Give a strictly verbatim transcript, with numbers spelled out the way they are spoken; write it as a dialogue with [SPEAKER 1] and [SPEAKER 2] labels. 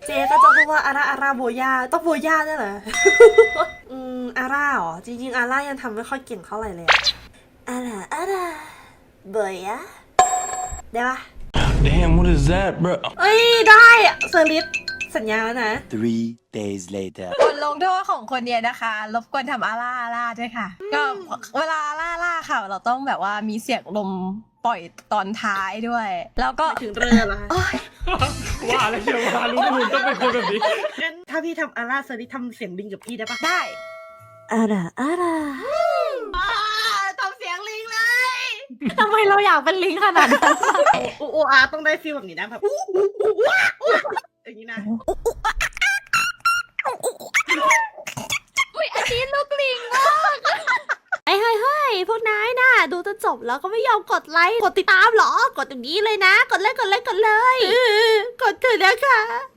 [SPEAKER 1] เจ๊ก็จะพูดว่าอาร่าอาร่าโบย่าต้องโบย่าได้เหรอ อืมอาร่าเหรอจริงๆอาร่ายังทำไม่ค่อยเก่งเท่าไหร่เลยอาร่าอาร่าโบย่าได้ปะ
[SPEAKER 2] Damn, what is that, bro?
[SPEAKER 1] เอ้ยได้เซอร์ลิสสัญญาแล้วนะ
[SPEAKER 3] Three days later.
[SPEAKER 4] บทลงโทษของคนเนี้ยนะคะรบกวนทำอาล่าอาล่าด้วยค่ะ ก็เวลาอาล่าอาล่าค่ะ เราต้องแบบว่ามีเสียงลมปล่อยตอนท้ายด้วย แล้วก็
[SPEAKER 1] ถึงเรือแล้ว
[SPEAKER 5] ว่าอะไรเชียวว่าลุงหุ่นต้องเป็นคนแบบนี้
[SPEAKER 1] งั้นถ้าพี่ทำอาร่าเซอร์ลิสทำเสียงลิงกับพี่ได้ปะ
[SPEAKER 4] ได้
[SPEAKER 1] อาร่าอาร่าทำเสียงลิงเลย
[SPEAKER 4] ทำไมเราอยากเป็นลิงขนาดนั้น
[SPEAKER 1] โอโออาต้องได้ฟีลแบบนี้นะแบบอู้อู้อู้ว้าอู้อย่างนี้นะ
[SPEAKER 4] อุ้ยอันนี้ลูกลิง
[SPEAKER 6] เฮ้ยเฮ้ยเฮ้ยพวกนายน่ะดูจนจบแล้วก็ไม่ยอมกดไลค์ กดติดตามเหรอ กดตรงนี้เลยนะ กดเลยกดเลยกดเลย กดเถอะนะคะ